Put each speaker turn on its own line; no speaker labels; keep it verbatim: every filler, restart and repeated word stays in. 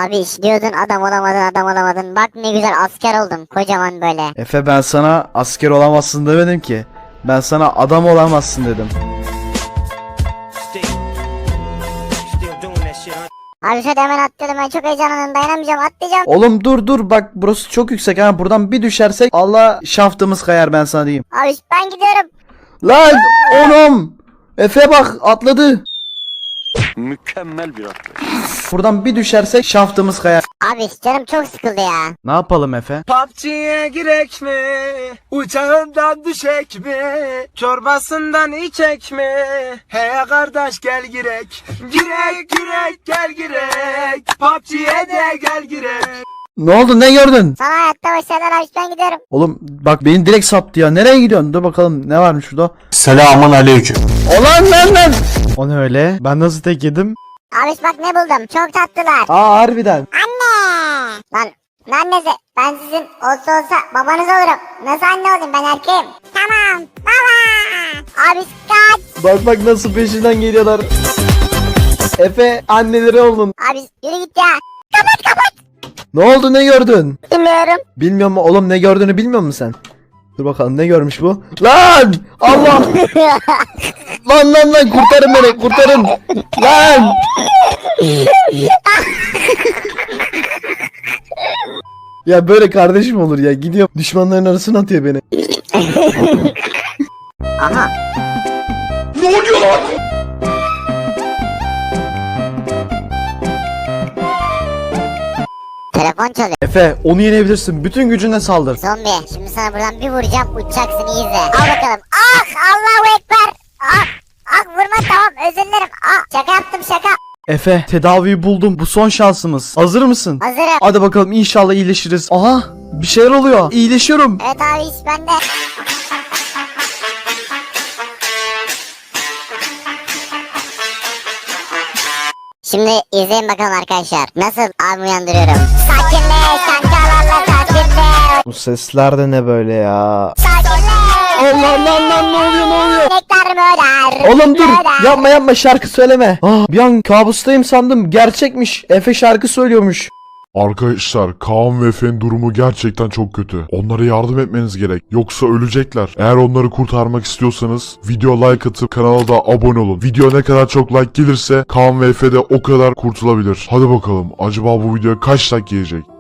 Abi iş diyordun adam olamadın adam olamadın. Bak ne güzel asker oldum kocaman böyle.
Efe ben sana asker olamazsın demedim ki. Ben sana adam olamazsın dedim.
Abi şöyle hemen atladım, ben çok heyecanlandım, dayanamayacağım, atlayacağım.
Oğlum dur dur bak burası çok yüksek ha, buradan bir düşersek Allah şaftımız kayar, ben sana diyeyim.
Abi ben gidiyorum.
Lan oğlum Efe bak atladı.
Mükemmel bir atlayış.
Buradan bir düşersek şaftımız kayar.
Abi canım çok sıkıldı ya.
Ne yapalım Efe?
P U B G'ye girek mi? Uçağından düşek mi? Çorbasından içek mi? He kardeş gel girek. Girek girek gel girek. P U B G'ye de gel girek.
Ne oldu, ne gördün?
Sana hayatta başarılar abi, ben gidiyorum.
Oğlum bak beni direkt saptı ya, nereye gidiyorsun? Dur bakalım ne varmış şurada.
Selamun aleyküm.
Ulan lan lan. O ne öyle? Ben nasıl tek yedim?
Abi bak ne buldum, çok tatlılar.
Aa harbiden.
Anne. Lan ne annesi, ben sizin olsa olsa babanız olurum. Nasıl anne olayım, ben erkeğim. Tamam baba. Abi kaç.
Bak bak nasıl peşinden geliyorlar. Efe anneleri oldun.
Abi yürü git ya. Kapat kapat.
Ne oldu, ne gördün?
Bilmiyorum.
Bilmiyor mu oğlum, ne gördüğünü bilmiyor musun sen? Dur bakalım ne görmüş bu? Lan! Allah! Lan lan lan kurtarın beni, kurtarın! Lan! Ya böyle kardeşim olur ya, gidiyor düşmanların arasına atıyor beni.
Aha.
Ne oluyor lan?
Telefon çalıyor.
Efe onu yenebilirsin, bütün gücünle saldır.
Zombi, şimdi sana buradan bir vuracağım, uçacaksın, iyi izle. Al bakalım. Ah, Allahu Ekber. Ah, ah vurma, tamam, özür dilerim. Ah, şaka yaptım, şaka.
Efe tedaviyi buldum, bu son şansımız. Hazır mısın?
Hazırım.
Hadi bakalım, inşallah iyileşiriz. Aha bir şeyler oluyor, iyileşiyorum.
Evet abi, iş bende. Şimdi izleyin bakalım arkadaşlar. Nasıl abi uyandırıyorum. Sakinle, kankalarla sakinle.
Bu sesler de ne böyle ya?
Sakinle.
Allah lan lan, ne oluyor, ne oluyor?
Nektar mörer.
Oğlum dur,
mörer.
yapma yapma, şarkı söyleme. Ah, bir an kabustayım sandım, gerçekmiş. Efe şarkı söylüyormuş.
Arkadaşlar Kaan ve Efe'nin durumu gerçekten çok kötü. Onlara yardım etmeniz gerek. Yoksa ölecekler. Eğer onları kurtarmak istiyorsanız video like atıp kanala da abone olun. Video ne kadar çok like gelirse Kaan ve Efe de o kadar kurtulabilir. Hadi bakalım, acaba bu videoya kaç like gelecek?